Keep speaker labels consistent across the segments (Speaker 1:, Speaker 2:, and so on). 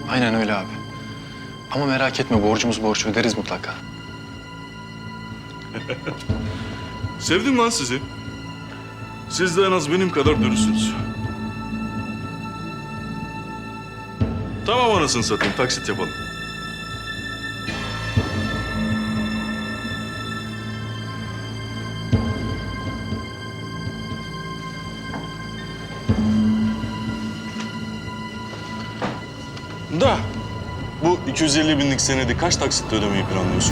Speaker 1: Aynen öyle abi. Ama merak etme, borcumuz borç, öderiz mutlaka.
Speaker 2: Sevdim lan sizi. Siz de en az benim kadar dürüstsünüz. Tamam anasını satayım, taksit yapalım. Da bu 250 binlik senedi kaç taksitle ödemeyi planlıyorsun?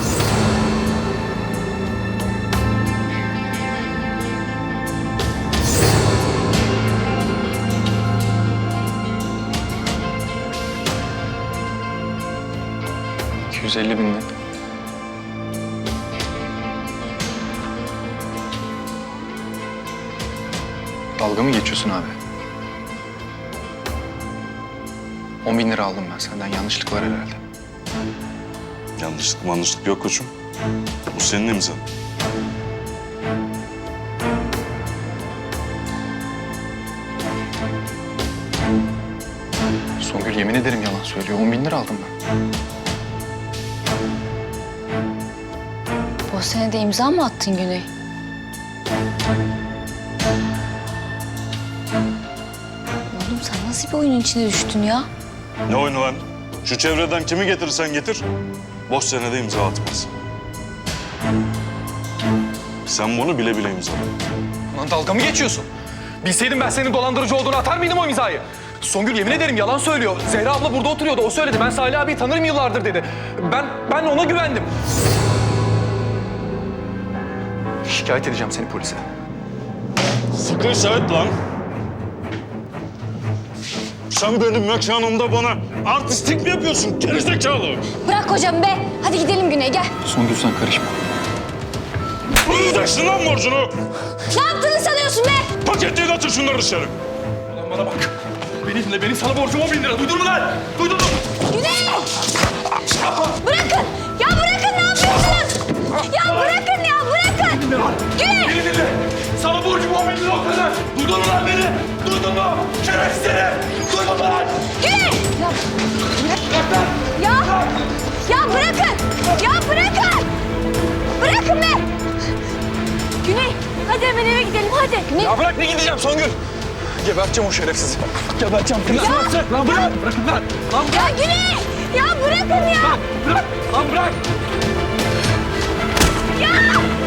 Speaker 1: ...250 bin. Dalga mı geçiyorsun abi? 10 bin lira aldım ben senden. Yanlışlık var herhalde.
Speaker 2: Yanlışlık yok koçum. Bu senin imzan.
Speaker 1: Songül yemin ederim yalan söylüyor. 10 bin lira aldım ben.
Speaker 3: Bu sene de imza mı attın Güney? Oğlum sen nasıl bir oyunun içine düştün ya?
Speaker 2: Ne oyunu lan? Şu çevreden kimi getirirsen getir, boş senede imza atmaz. Sen bunu bile bile imzaladın.
Speaker 4: Lan dalga mı geçiyorsun? Bilseydim ben senin dolandırıcı olduğunu atar mıydım o imzayı? Songül yemin ederim yalan söylüyor. Zehra abla burada oturuyordu, o söyledi. Ben Salih abiyi tanırım yıllardır dedi. Ben ona güvendim. Şikayet edeceğim seni polise.
Speaker 2: Sıkıysa et lan. Sen benim mekanımda bana artistlik mi yapıyorsun gerizekalı?
Speaker 3: Bırak hocam be. Hadi gidelim Güney gel.
Speaker 1: Songül sen karışma.
Speaker 2: Ödeyeceksin lan borcunu.
Speaker 3: Ne yaptığını sanıyorsun be?
Speaker 2: Paketleyin atın şunları dışarı.
Speaker 4: Ulan bana bak. Benim sana borcum 10 bin lira. Duydun mu lan? Duydun mu?
Speaker 3: Güney! Bırakın! Ya bırakın, ne yapıyorsunuz? Ya bırakın ya, bırakın! Güney!
Speaker 4: Beni dinle. Sana borcum 10 bin lira o kadar. Duydun mu lan beni? Duydun mu? Şerefsiz seni. Duydun mu lan?
Speaker 3: Güney! Ya,
Speaker 4: Bırak lan.
Speaker 3: ya bırakın! Ya bırakın! Bırakın be! Güney, hadi hemen eve gidelim, hadi. Güney!
Speaker 4: Ya bırak, ne gideceğim Songül? Geberteceğim o şerefsizi. Geberteceğim. Nasıl yapacak? Lan bırak. Bırakın lan. Lan
Speaker 3: Ya Güney! Ya bırakın ya!
Speaker 4: bırak. Lan bırak.
Speaker 3: Ya!